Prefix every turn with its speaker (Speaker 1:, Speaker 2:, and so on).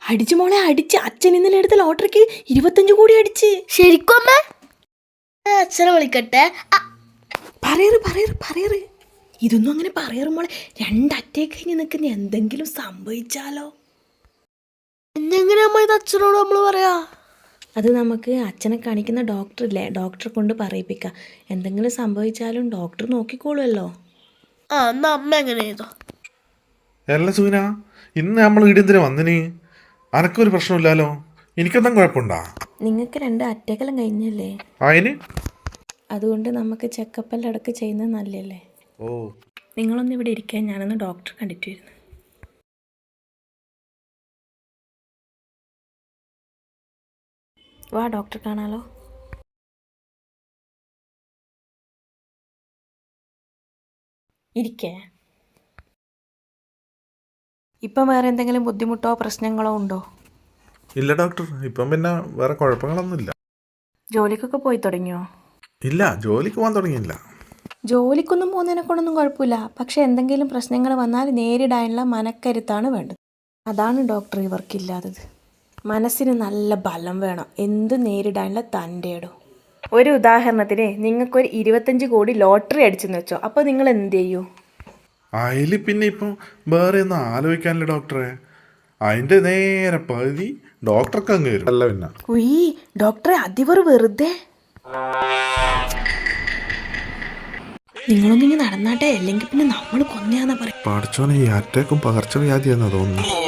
Speaker 1: അടിച്ചു മോളെ അടിച്ച്. അച്ഛൻ ഇന്നലെ എടുത്ത ലോട്ടറിക്ക് 25 കോടി അടിച്ച്.
Speaker 2: ശരിക്കും അമ്മ? അച്ഛനെ വിളിക്കട്ടെ.
Speaker 1: പറയറ്. ഇതൊന്നും അങ്ങനെ പറയറ് മോളെ. 2 അറ്റേക്ക് കഴിഞ്ഞ് നിൽക്കുന്ന എന്തെങ്കിലും സംഭവിച്ചാലോ?
Speaker 2: എങ്ങനെ അമ്മ ഇത് അച്ഛനോട് നമ്മൾ പറയാ?
Speaker 1: അത് നമുക്ക് അച്ഛനെ കാണിക്കുന്ന ഡോക്ടറില്ലേ, ഡോക്ടറെ കൊണ്ട് പറയിപ്പിക്കാം. എന്തെങ്കിലും സംഭവിച്ചാലും ഡോക്ടർ നോക്കിക്കോളുമല്ലോ.
Speaker 2: എന്നാ അമ്മ എങ്ങനെ ചെയ്തോ?
Speaker 3: അല്ല സൂന, ഇന്ന് നമ്മൾ വീടെന്തിനാ വന്നിന്? അനക്കൊരു പ്രശ്നമില്ലല്ലോ. എനിക്കെന്താ കുഴപ്പമുണ്ടാ?
Speaker 1: നിങ്ങൾക്ക് 2 അറ്റക്കെല്ലാം കഴിഞ്ഞല്ലേ,
Speaker 3: അതിന്
Speaker 1: അതുകൊണ്ട് നമുക്ക് ചെക്കപ്പെല്ലാം ഇടയ്ക്ക് ചെയ്യുന്നത് നല്ലല്ലേ.
Speaker 3: ഓ,
Speaker 1: നിങ്ങളൊന്ന് ഇവിടെ ഇരിക്കാൻ, ഞാനൊന്ന് ഡോക്ടറെ കണ്ടിട്ട് വരുന്നു. വാ ഡോക്ടർ കാണാലോ. ഇരിക്കേ. ഇപ്പം വേറെ എന്തെങ്കിലും ബുദ്ധിമുട്ടോ പ്രശ്നങ്ങളോ ഉണ്ടോ?
Speaker 3: ഇല്ല ഡോക്ടർ, ഇപ്പം പിന്നെ വേറെ കുഴപ്പങ്ങളൊന്നുമില്ല.
Speaker 1: ജോലിക്കൊക്കെ പോയി തുടങ്ങിയോ?
Speaker 3: ഇല്ല, ജോലിക്ക് പോകാൻ തുടങ്ങിയില്ല.
Speaker 1: ജോലിക്കൊന്നും പോകുന്നതിനെ കൊണ്ടൊന്നും കുഴപ്പമില്ല. പക്ഷെ എന്തെങ്കിലും പ്രശ്നങ്ങൾ വന്നാൽ നേരിടാനുള്ള മനക്കരുത്താണ് വേണ്ടത്. അതാണ് ഡോക്ടർ ഇവർക്കില്ലാത്തത്. മനസ്സിന് നല്ല ബലം വേണം, എന്ത് നേരിടാനുള്ള തൻ്റെടോ. ഒരു ഉദാഹരണത്തിന് നിങ്ങൾക്കൊരു 25 കോടി ലോട്ടറി അടിച്ചെന്ന് വെച്ചോ, അപ്പോൾ നിങ്ങൾ എന്ത് ചെയ്യൂ?
Speaker 3: അതിൽ പിന്നെ ഇപ്പം വേറെ ഒന്നും ആലോചിക്കാനില്ല ഡോക്ടറെ. അതിൻ്റെ നേരെ പകുതി ഡോക്ടർക്ക് അങ്ങ് വരും. അല്ല പിന്നെ
Speaker 1: ഉയ്യ് ഡോക്ടറെ, അതിവർ വെറുതെ. നിങ്ങളൊന്നിങ്ങ് നടന്നാട്ടെ, അല്ലെങ്കിൽ പിന്നെ നമ്മൾ കൊന്നയാന്നാ പറയും.
Speaker 3: പഠിച്ചോനെ, ഈ അറ്റാക്കും പകർച്ചവ്യാധിയാണെന്ന് തോന്നുന്നു.